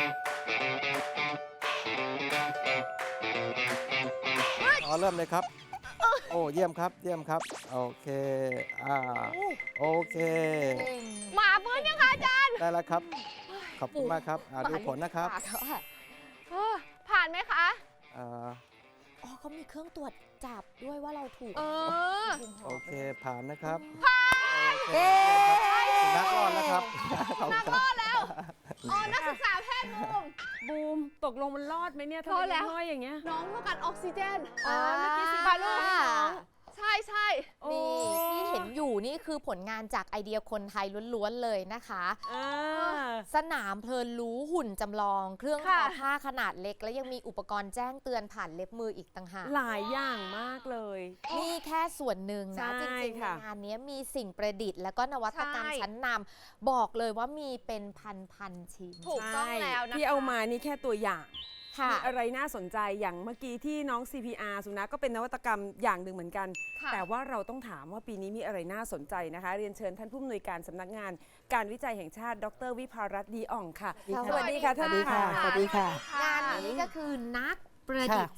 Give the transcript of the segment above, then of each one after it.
เริ่มเลยครับ โอ้เยี่ยมครับเยี่ยมครับโอเคโอเคหมาฟื้นยังคะอาจารย์ได้แล้วครับขอบคุณมากครับดูผลนะครับผ่านไหมคะอ๋อเขามีเครื่องตรวจจับด้วยว่าเราถูกโอเคผ่านนะครับผ่านนักรอดแล้วครับนักรอดแล้วนักศึกษาแพทย์บูมตกลงมันรอดไหมเนี่ยถ้ามันห้อยอย่างเงี้ยน้องต้องการออกซิเจนเมื่อกี้สิบาลูกใช่ใช่นี่ที่เห็นอยู่นี่คือผลงานจากไอเดียคนไทยล้วนๆเลยนะคะสนามเพลินรู้หุ่นจำลองเครื่องทอผ้าขนาดเล็กและยังมีอุปกรณ์แจ้งเตือนผ่านเล็บมืออีกต่างหากหลายอย่างมากเลยนี่แค่ส่วนหนึ่งนะจริงๆงานนี้มีสิ่งประดิษฐ์และก็นวัตกรรมชั้นนำบอกเลยว่ามีเป็นพันชิ้นถูกต้องแล้วนะคะที่เอามานี่แค่ตัวอย่างมีอะไรน่าสนใจอย่างเมื่อกี้ที่น้อง CPR สุนัขก็เป็นนวัตกรรมอย่างหนึ่งเหมือนกันแต่ว่าเราต้องถามว่าปีนี้มีอะไรน่าสนใจนะคะเรียนเชิญท่านผู้อำนวยการสำนักงานการวิจัยแห่งชาติดร.วิภารัตน์ดีอ่องค่ะสวัสดีค่ะท่านค่ะสวัสดีค่ะงานนี้ก็คือนักประดิษฐ์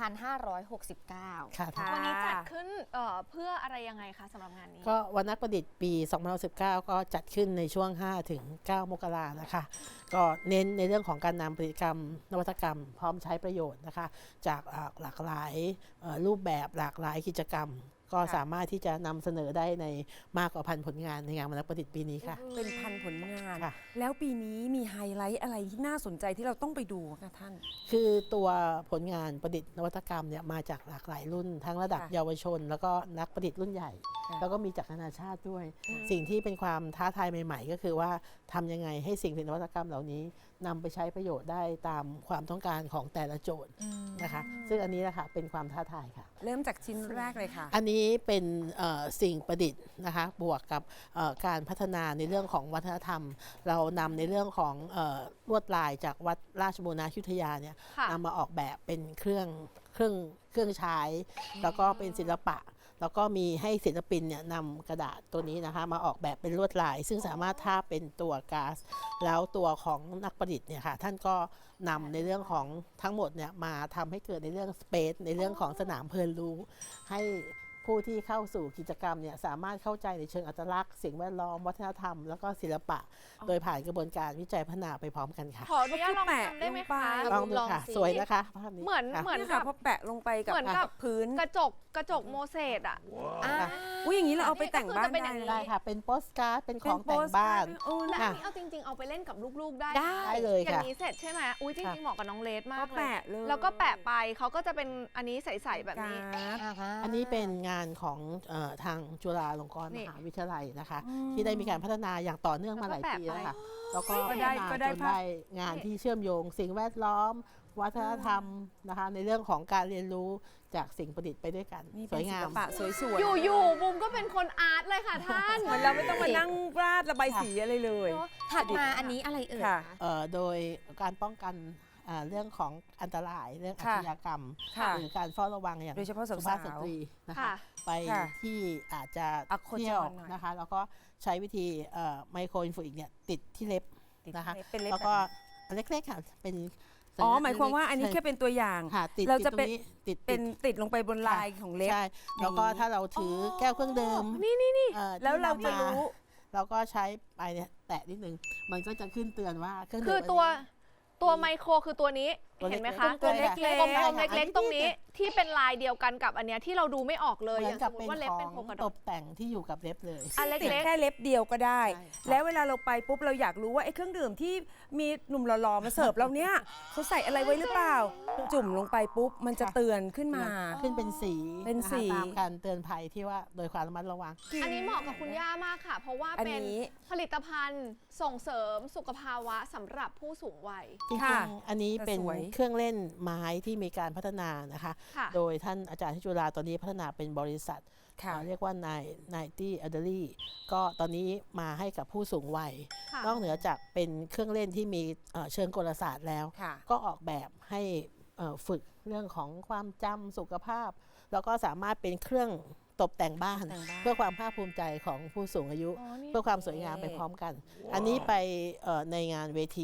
2569 ค่ะวันนี้จัดขึ้นเพื่ออะไรยังไงคะสำหรับงานนี้ก็วันนักประดิษฐ์ปี 2019 ก็จัดขึ้นในช่วง 5-9 มกรานะคะก็เน้นในเรื่องของการนำผลิตกรรมนวัตกรรมพร้อมใช้ประโยชน์นะคะจากหลากหลายรูปแบบหลากหลายกิจกรรมก็สามารถที่จะนำเสนอได้ในมากกว่าพันผลงานในงานวันนักประดิษฐ์ปีนี้ค่ะเป็นพันผลงานแล้วปีนี้มีไฮไลท์อะไรที่น่าสนใจที่เราต้องไปดูคะท่านคือตัวผลงานประดิษฐ์นวัตกรรมเนี่ยมาจากหลากหลายรุ่นทั้งระดับเยาวชนแล้วก็นักประดิษฐ์รุ่นใหญ่แล้วก็มีจากนานาชาติด้วยสิ่งที่เป็นความท้าทายใหม่ๆก็คือว่าทำยังไงให้สิ่งผลิตนวัตกรรมเหล่านี้นำไปใช้ประโยชน์ได้ตามความต้องการของแต่ละโจทย์นะคะซึ่งอันนี้นะคะเป็นความท้าทายค่ะเริ่มจากชิ้นแรกเลยค่ะอันนี้เป็นสิ่งประดิษฐ์นะคะบวกกับการพัฒนาในเรื่องของวัฒนธรรมเรานำในเรื่องของลวดลายจากวัดราชบูรณาธิยุธยาเนี่ยนำมาออกแบบเป็นเครื่องใช้แล้วก็เป็นศิลปะแล้วก็มีให้ศิลปินเนี่ยนำกระดาษตัวนี้นะคะมาออกแบบเป็นลวดลายซึ่งสามารถทาเป็นตัวก๊าซแล้วตัวของนักประดิษฐ์เนี่ยค่ะท่านก็นำในเรื่องของทั้งหมดเนี่ยมาทำให้เกิดในเรื่องสเปซในเรื่องของสนามเพลินรู้ให้ผู้ที่เข้าสู่กิจกรรมเนี่ยสามารถเข้าใจในเชิงอัตลักษณ์สิ่งแวดล้อมวัฒนธรรมแล้วก็ศิลปะโดยผ่านกระบวนการวิจัยพัฒนาไปพร้อมกันค่ะขออนุญาตลองทำได้ไหมคะลองดูค่ะสวยนะคะภาพนี้เหมือนกับพอแปะลงไปกับพื้นกระจกโมเสสอ่ะอย่างนี้เราเอาไปแต่งบ้านได้ค่ะเป็นโปสการ์ดเป็นของแต่งบ้านและอันนี้เอาจริงๆเอาไปเล่นกับลูกๆได้เลยค่ะอย่างนี้เสร็จใช่ไหมอุ้ยจริงๆเหมาะกับน้องเลสมากเลยแล้วก็แปะไปเขาก็จะเป็นอันนี้ใสๆแบบนี้อันนี้เป็นงานของทางจุฬาลงกรณ์มหาวิทยาลัยนะคะที่ได้มีการพัฒนาอย่างต่อเนื่องมาหลายปีแล้วค่ะแล้วก็ได้งานที่เชื่อมโยงสิ่งแวดล้อมวัฒนธรรมนะคะในเรื่องของการเรียนรู้จากสิ่งประดิษฐ์ไปด้วยกันสวยงามปะสวยๆอยู่บุมก็เป็นคนอาร์ตเลยค่ะท่านเหมือนเราไม่ต้องมานั่งราดระบายสีอะไรเลยถัดมาอันนี้อะไรเอ่ยโดยการป้องกันเรื่องของอันตรายเรื่องอาชญากรรมหรือการเฝ้าระวังอย่างโดยเฉพาะสุภาพสตรีนะคะไปที่อาจจะเที่ยวนะคะแล้วก็ใช้วิธีไมโครอินฟลูอิกเนี่ยติดที่เล็บนะคะแล้วก็เล็กๆค่ะเป็นหมายความว่าอันนี้แค่เป็นตัวอย่างเราจะเป็นติดลงไปบนลายของเล็บใช่แล้วก็ถ้าเราถือแก้วเครื่องดื่มนี่แล้วเราจะรู้เราก็ใช้ไปเนี่ยแตะนิดนึงมันก็จะขึ้นเตือนว่าเครื่องดื่มคือตัวไมโครคือตัวนี้เห็นไหมคะตัวเล็กๆกลมๆเล็กๆตรงนี้ที่เป็นลายเดียวกันกับอันเนี้ยที่เราดูไม่ออกเลยอย่างสมมติว่าเล็บเป็นโครงกระดูกตกแต่งที่อยู่กับเล็บเลยติดแค่เล็บเดียวก็ได้แล้วเวลาเราไปปุ๊บเราอยากรู้ว่าไอ้เครื่องดื่มที่มีหนุ่มหล่อๆมาเสิร์ฟเราเนี้ยเขาใส่อะไรไว้หรือเปล่าจุ่มลงไปปุ๊บมันจะเตือนขึ้นมาขึ้นเป็นสีตามการเตือนภัยที่ว่าโดยความระมัดระวังอันนี้เหมาะกับคุณย่ามากค่ะเพราะว่าเป็นผลิตภัณฑ์ส่งเสริมสุขภาวะสำหรับผู้สูงวัยจริงๆอันนี้เป็นเครื่องเล่นไม้ที่มีการพัฒนานะคะโดยท่านอาจารย์ที่จุฬาตอนนี้พัฒนาเป็นบริษัทเรียกว่านายตี้อัลเดอรี่ก็ตอนนี้มาให้กับผู้สูงวัยนอกเหนือจากเป็นเครื่องเล่นที่มีเชิงกลศาสตร์แล้วก็ออกแบบให้ฝึกเรื่องของความจำสุขภาพแล้วก็สามารถเป็นเครื่องตกแต่งบ้านเพื่อความภาคภูมิใจของผู้สูงอายุเพื่อความสวยงามไปพร้อมกันอันนี้ไปในงานเวที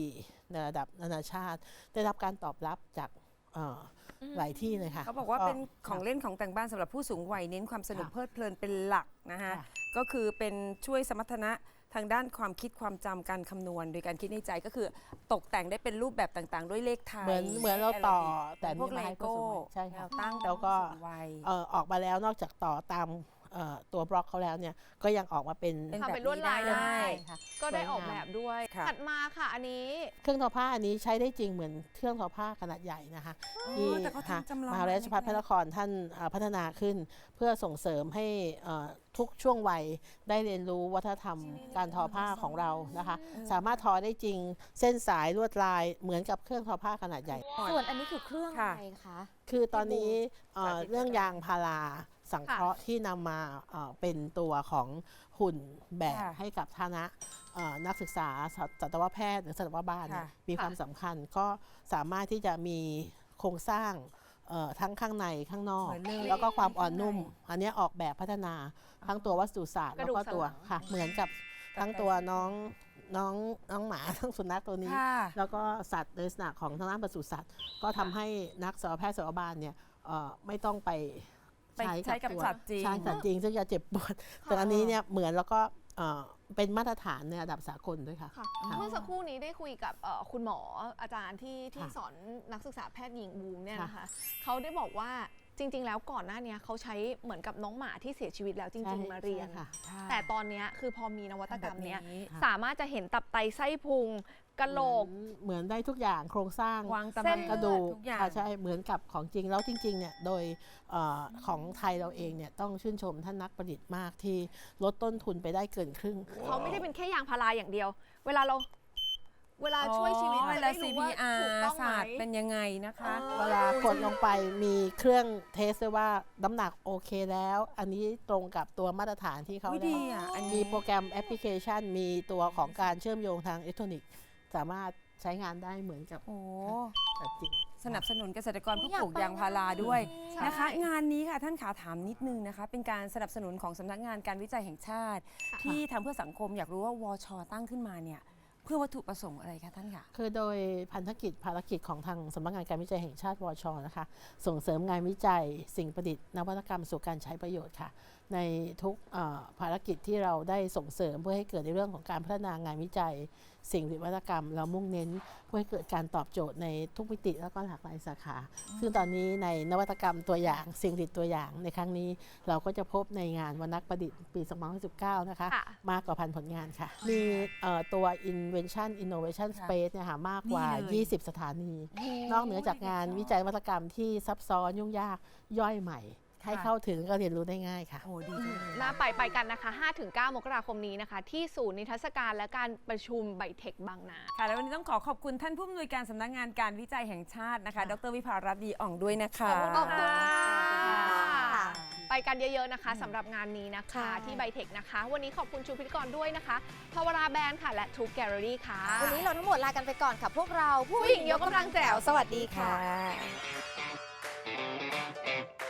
ในระดับนานาชาติ ได้รับการตอบรับจากหลายที่เลยค่ะเขาบอกว่าเป็นของเล่นของแต่งบ้านสำหรับผู้สูงวัยเน้นความสนุกเพลิดเพลินเป็นหลักนะคะค่ะก็คือเป็นช่วยสมรรถนะทางด้านความคิดความจำการคำนวณโดยการคิดในใจก็คือตกแต่งได้เป็นรูปแบบต่างๆ ด้วยเลขไทยเหมือนเราต่อแต่พวกนี่เลมาให้ผู้โก้สูงวัยใช่ค่ะตั้งแล้วก็ผู้สูงวัยออกมาแล้วนอกจากต่อตามตัวบล็อกเขาแล้วเนี่ยก็ยังออกมาเป็นเป็นทำเป็นลวดลายแบบนี้ได้ได้ค่ะก็ได้ออกแบบด้วยค่ะถัดมาค่ะอันนี้เครื่องทอผ้าอันนี้ใช้ได้จริงเหมือนเครื่องทอผ้าขนาดใหญ่นะคะที่แต่เขาทำจำลองมหาวิทยาลัยราชภัฏพระนครท่านพัฒนาขึ้น เพื่อส่งเสริมให้ทุกช่วงวัยได้เรียนรู้วัฒนธรรมการทอผ้าของเรานะคะ สามารถทอได้จริงเส้นสายลวดลายเหมือนกับเครื่องทอผ้าขนาดใหญ่ส่วนอันนี้คือเครื่องอะไรคะคือตอนนี้สาธิตเรื่องยางพาราสังเคราะห์ที่นำมาเป็นตัวของหุ่นแบบค่ะให้กับคณะนักศึกษาสัตวแพทย์หรือสัตวบาลเนี่ยค่ะมีความสำคัญก็สามารถที่จะมีโครงสร้างทั้งข้างในข้างนอกเหมือนเลยแล้วก็ความอ่อนนุ่ม อันเนี้ยออกแบบพัฒนาทั้งตัววัสดุศาสตร์กแล้วระดูกก็ตัวสันหลังค่ะเหมือนกับทั้งตัวน้องหมา ทั้งสุนัขตัวนี้ค่ะแล้วก็สัตว์ในลักษณะของทางด้านปศุสัตว์ ก็ทำให้นักสัตวแพทย์สัตวบาลเนี่ยไม่ต้องไปไปใช้กับตัวสัตว์จริงใช่สัตว์จริงซึ่งจะเจ็บปวด แต่อันนี้เนี่ยเหมือนแล้วก็เป็นมาตรฐานในระดับสากลด้วยค่ะค่ะค่ะเมื่อสักครู่นี้ได้คุยกับคุณหมออาจารย์ที่ค่ะสอนนักศึกษาแพทย์หญิงบูมเนี่ยค่ะนะคะเขาได้บอกว่าจริง ๆ แล้วก่อนหน้านี้เขาใช้เหมือนกับน้องหมาที่เสียชีวิตแล้วจริง ๆ มาเรียนใช่ค่ะแต่ตอนเนี้ยคือพอมีนวัตกรรมเนี้ยแบบนี้สามารถจะเห็นตับไตไส้พุงกะโหลกเหมือนได้ทุกอย่างโครงสร้างวางตำเส้แหนน่งกระดูกทุกอย่างค่ะใช่เหมือนกับของจริงแล้วจริงๆเนี่ยโดยของไทยเราเองเนี่ยต้องชื่นชมท่านนักประดิษฐ์มากที่ลดต้นทุนไปได้เกินครึ่งเขาไม่ได้เป็นแค่ยางพาราอย่างเดียว เวลาช่วยชีวิตเวจะลาได้รู้ว่า CPR ถูกต้องไหมศาสตร์เป็นยังไงนะคะเวลากดลงไปมีเครื่องเทสด้วยว่าน้ำหนักโอเคแล้ว อันนี้ตรงกับตัวมาตรฐานที่เขาอุ๊ยได้ดีอ่ะอันมีนี้โปรแกรมแอปพลิเคชัน มีตัวของการเชื่อมโยงทางอิเล็กทรอนิกส์ สามารถใช้งานได้เหมือนกับโอ้สัตว์จริงสนับสนุนเกษตรกรผู้อยากปลูกไปยางพาราด้วยใช่นะคะ งานนี้ค่ะท่านขาถามนิดนึงนะคะ เป็นการสนับสนุนของสำนักงานการวิจัยแห่งชาติ ที่ทำเพื่อสังคมอยากรู้ว่าวชตั้งขึ้นมาเนี่ยเพื่อวัตถุประสงค์อะไรคะท่านคะคือโดยพันธกิจภารกิจของทางสำนักงานการวิจัยแห่งชาติวชนะคะ ส่งเสริมงานวิจัย สิ่งประดิษฐ์นวัตกรรมสู่การใช้ประโยชน์ค่ะ ในทุกภารกิจที่เราได้ส่งเสริมเพื่อให้เกิดในเรื่องของการพัฒนางานวิจัย สิ่งนวัตกรรม เรามุ่งเน้นเพื่อให้เกิดการตอบโจทย์ในทุกมิติแล้วก็หลากหลายสาขา ซึ่งตอนนี้ในนวัตกรรมตัวอย่างสิ่งประดิษฐ์ตัวอย่างในครั้งนี้ เราก็จะพบในงานวันนักประดิษฐ์ปี 2019 นะคะค่ะมากกว่าพันผลงานค่ะ มีตัว Invention Innovation ค่ะ Space เนี่ยค่ะมากกว่านี่เลย 20 สถานี นอกเหนือจากงานวิจัยนวัตกรรมที่ซับซ้อนยุ่งยากย่อยใหม่ ให้เข้าถึงก็เรียนรู้ได้ง่ายค่ะโอ้ดีจังเลยน่าไปกันนะคะ 5-9 มกราคมนี้นะคะ ที่ศูนย์นิทรรศการและการประชุมไบเทคบางนาค่ะแล้ววันนี้ต้องขอบคุณท่านผู้อำนวยการสำนักงานการวิจัยแห่งชาตินะคะ ดรวิภารัตน์ดีอ่องด้วยนะคะขอบคุณค่ะค่ะไปกันเยอะๆนะคะสำหรับงานนี้นะคะค่ะที่ไบเทคนะคะ วันนี้ขอบคุณชูพิธีกรด้วยนะคะพาวราแบรนด์ค่ะ และทูแกลเลอรี่ค่ะวันนี้เราทั้งหมดลากันไปก่อนค่ะ พวกเราผู้หญิงยกกำลังแจ๋วสวัสดีค่ะค่ะ